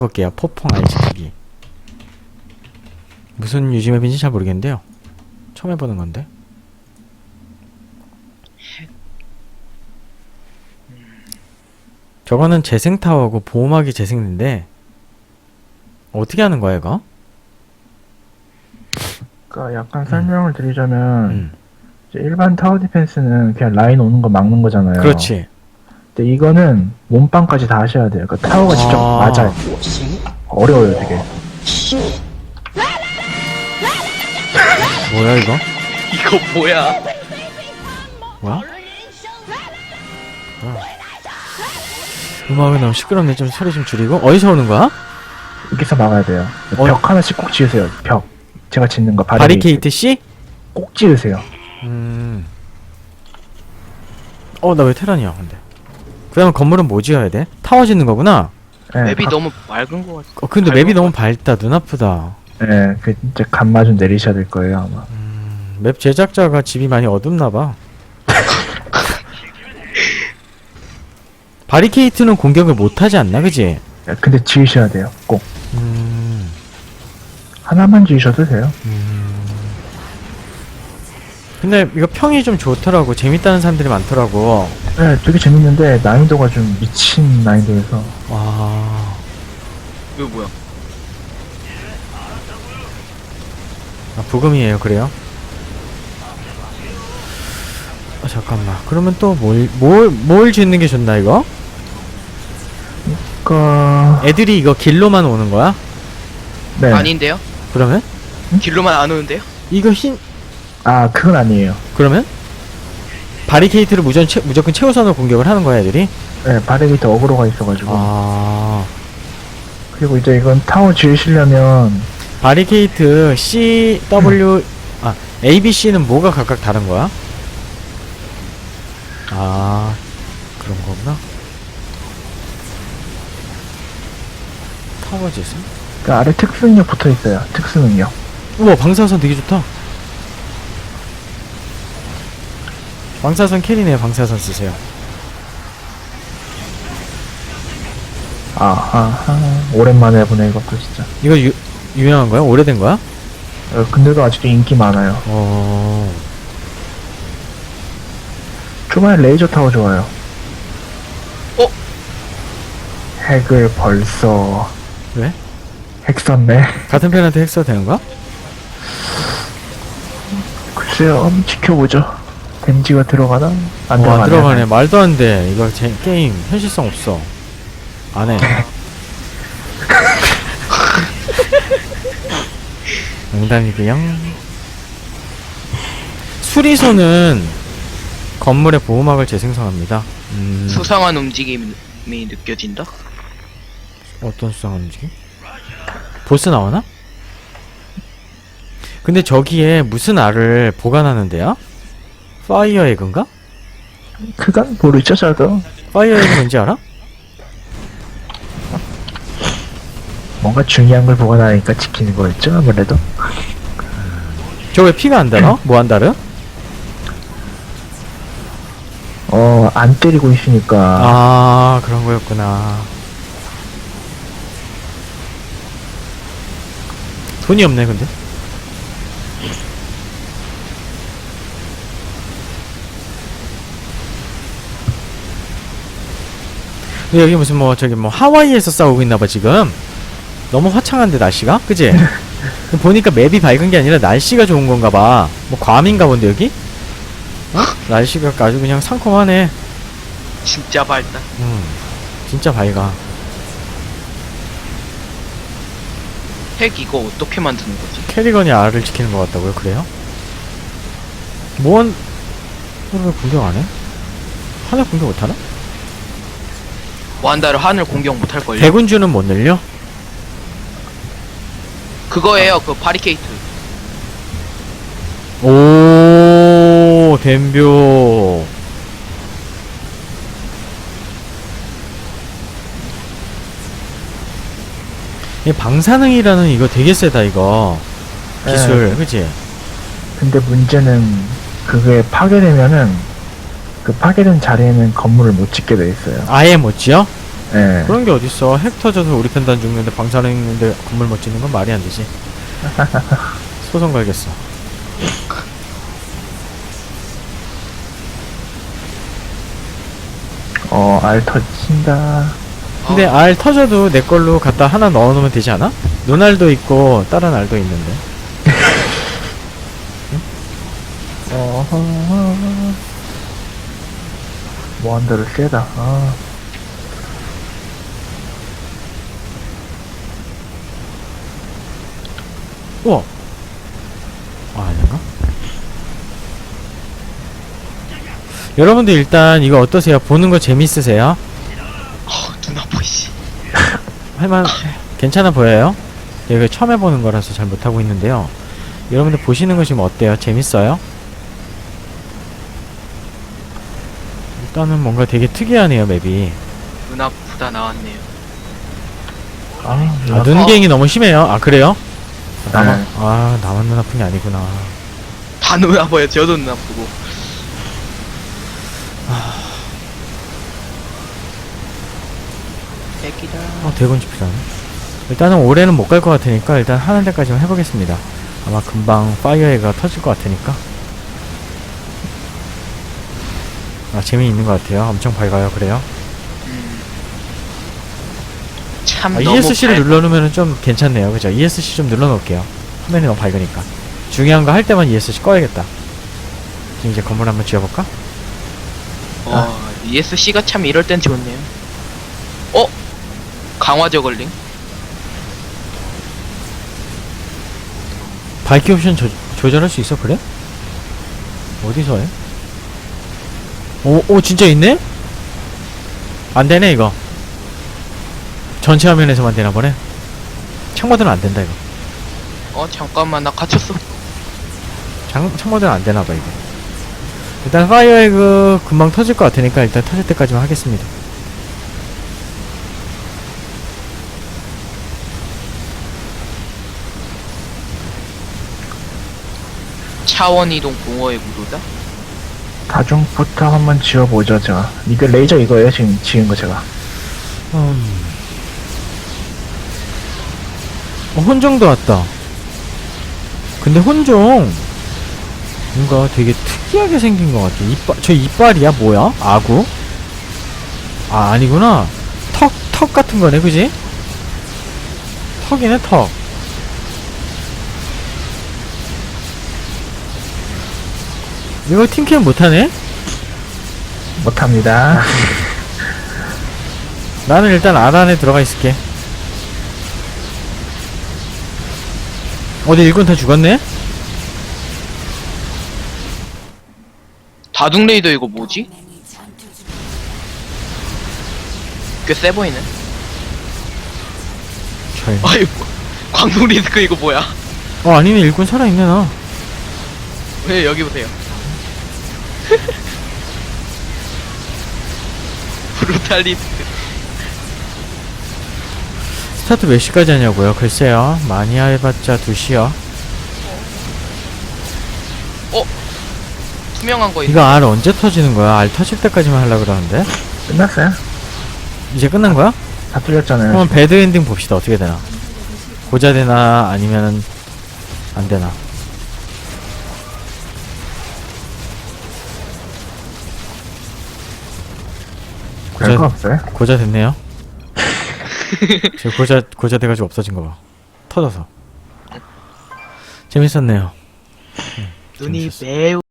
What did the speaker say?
볼게요. 포펑 알지기 무슨 유지맵인지 잘 모르겠는데요. 처음 해보는 건데. 저거는 재생타워고 보호막이 재생인데 어떻게 하는 거야 이거? 그러니까 약간 설명을 드리자면 음. 이제 일반 타워 디펜스는 그냥 라인 오는 거 막는 거잖아요. 그렇지. 근데 이거는 몸빵까지 다 하셔야 돼요. 그러니까 타워가 직접 맞아요. 어려워요 되게. 뭐야 이거? 이거 뭐야? 뭐야? 음악이 너무 시끄럽네. 좀 소리 좀 줄이고. 어디서 오는 거야? 여기서 막아야 돼요. 어? 벽 하나씩 꼭 지으세요. 벽. 제가 짓는 거 바리케이트 C? 꼭 지으세요. 나 왜 테란이야 근데. 그 다음에 건물은 뭐 지어야 돼? 타워 짓는 거구나? 네, 맵이 너무 맑은 것 같아. 근데 맵이 너무 밝다. 눈 아프다. 네, 그 이제 감마 좀 내리셔야 될 거예요 아마. 맵 제작자가 집이 많이 어둡나봐. 바리케이트는 공격을 못하지 않나 그지? 네, 근데 지으셔야 돼요. 꼭 음... 하나만 지으셔도 돼요. 근데 이거 평이 좀 좋더라고. 재밌다는 사람들이 많더라고. 네, 되게 재밌는데 난이도가 좀 미친 난이도여서. 와... 이거 뭐야? 부금이에요 그래요? 잠깐만. 그러면 또 뭘 짓는 게 좋나 이거? 애들이 이거 길로만 오는 거야? 네. 아닌데요? 그러면? 길로만 안 오는데요? 이거 흰... 아 그건 아니에요. 그러면? 바리케이트를 무조건 최우선으로 공격을 하는 거야 애들이? 네, 바리게이트 어그로가 있어가지고. 아... 그리고 이제 이건 타워 지으시려면 바리케이트 C, W... A, B, C는 뭐가 각각 다른 거야? 아... 그런 거구나. 타워 짓음? 그 아래 특수 능력 붙어 있어요. 특수 능력. 우와 방사선 되게 좋다. 방사선 캐리네요. 방사선 쓰세요. 아하, 오랜만에 보네 이것도 진짜. 이거 유명한 거야? 오래된 거야? 근데도 아직도 인기 많아요. 초반에 레이저 타워 좋아요. 어? 핵을 벌써 왜? 핵 썼네. 같은 편한테 핵 써도 되는 거야? 글쎄요, 한번 지켜보죠. 댐지가 들어가나? 안 안 들어가네. 들어가네. 말도 안 돼. 이거 게임 현실성 없어. 안 해. 농담이고요. 수리소는 건물의 보호막을 재생성합니다. 수상한 움직임이 느껴진다? 어떤 수상한 움직임? 보스 나오나? 근데 저기에 무슨 알을 보관하는데요? 파이어 에그인가? 그건 모르죠, 저도. 파이어 에그 뭔지 알아? 뭔가 중요한 걸 보관하니까 지키는 거였죠, 아무래도. 저 왜 피가 안 달아? 뭐 안 달아? 안 때리고 있으니까. 아 그런 거였구나. 돈이 없네 근데. 근데 여기 무슨 하와이에서 싸우고 있나봐 지금. 너무 화창한데 날씨가? 그지? 보니까 맵이 밝은 게 아니라 날씨가 좋은 건가봐. 뭐 괌인가 본데 여기? 날씨가 아주 그냥 상콤하네. 진짜 밝다. 진짜 밝아. 핵 이거 어떻게 만드는 거지? 캐리건이 알을 지키는 것 같다고요? 그래요? 왜 공격 안 해? 하늘 공격 못 하나? 완다를 하늘 공격 못할 걸요? 대군주는 못 늘려? 그거예요. 그 바리케이트. 오, 댐벼. 이 방사능이라는 이거 되게 세다 이거. 기술, 그치? 근데 문제는 그게 파괴되면은 그 파괴된 자리에는 건물을 못 짓게 돼 있어요. 아예 못 지어? 예. 그런 게 어딨어. 핵 터져서 우리 편도 안 죽는데 방사능 있는데 건물 못 짓는 건 말이 안 되지. 소송 걸겠어. 알 터진다. 근데 알 터져도 내 걸로 갖다 하나 넣어놓으면 되지 않아? 눈알도 있고 다른 알도 있는데. 모한대로 세다. 우와. 아닌가? 여러분들 일단 이거 어떠세요? 보는 거 재밌으세요? 눈 아파 씨. 할만 괜찮아 보여요? 이거 처음 해보는 거라서 잘 못하고 있는데요. 여러분들 보시는 거 지금 어때요? 재밌어요? 일단은 뭔가 되게 특이하네요 맵이. 눈 아프다 나왔네요. 눈갱이 너무 심해요. 아 그래요? 나만 네. 나만 눈 아픈 게 아니구나. 다 눈 아파요. 저도 눈 아프고. 애기다. 대군주 필요하네. 일단은 올해는 못 갈 것 같으니까 일단 하는 데까지만 해보겠습니다. 아마 금방 파이어에가 터질 것 같으니까. 재미있는 것 같아요. 엄청 밝아요. 그래요? 참 너무 ESC를 밝아. 눌러놓으면 좀 괜찮네요. 그죠? ESC 좀 눌러놓을게요. 화면이 너무 밝으니까. 중요한 거 할 때만 ESC 꺼야겠다. 지금 이제 건물 한번 지어볼까? ESC가 참 이럴 땐 좋네요. 강화 저글링? 밝기 옵션 조절할 수 있어? 그래? 어디서 해? 오 진짜 있네? 안 되네 이거. 전체 화면에서만 되나 보네. 창모드는 안 된다 이거. 잠깐만 나 갇혔어. 창모드는 안 되나 봐 이게. 일단 파이어에그 금방 터질 것 같으니까 일단 터질 때까지만 하겠습니다. 차원 이동 공허의 구도다? 다중부터 한번 지어보죠, 제가. 이거 레이저 이거예요, 지금 지은 거 제가. 혼종도 왔다. 근데 혼종 뭔가 되게 특이하게 생긴 것 같아. 저 이빨이야 뭐야? 아구? 아니구나. 턱 같은 거네, 그지? 턱이네 턱. 이거 팀캠 못하네? 못합니다. 나는 일단 알 안에 들어가 있을게. 어디 일꾼 다 죽었네? 다둥 레이더 이거 뭐지? 꽤 세 보이네. 아이고 광동 리스크 이거 뭐야? 아니네 일꾼 살아있네 나. 왜 여기 보세요. 브루탈 리스크. 스타트 몇 시까지 하냐고요? 글쎄요. 많이 해봤자 2시요. 투명한 거 있네. 이거 알 언제 터지는 거야? 알 터질 때까지만 하려고 그러는데? 끝났어요? 이제 끝난 거야? 다 뚫렸잖아요. 그럼 배드 엔딩 봅시다. 어떻게 되나? 고자 되나 아니면은 안 되나? 별거 없어요? 고자 됐네요. 제 고자 돼가지고 없어진 거 봐. 터져서. 재밌었네요. 눈이 재밌었어. 매우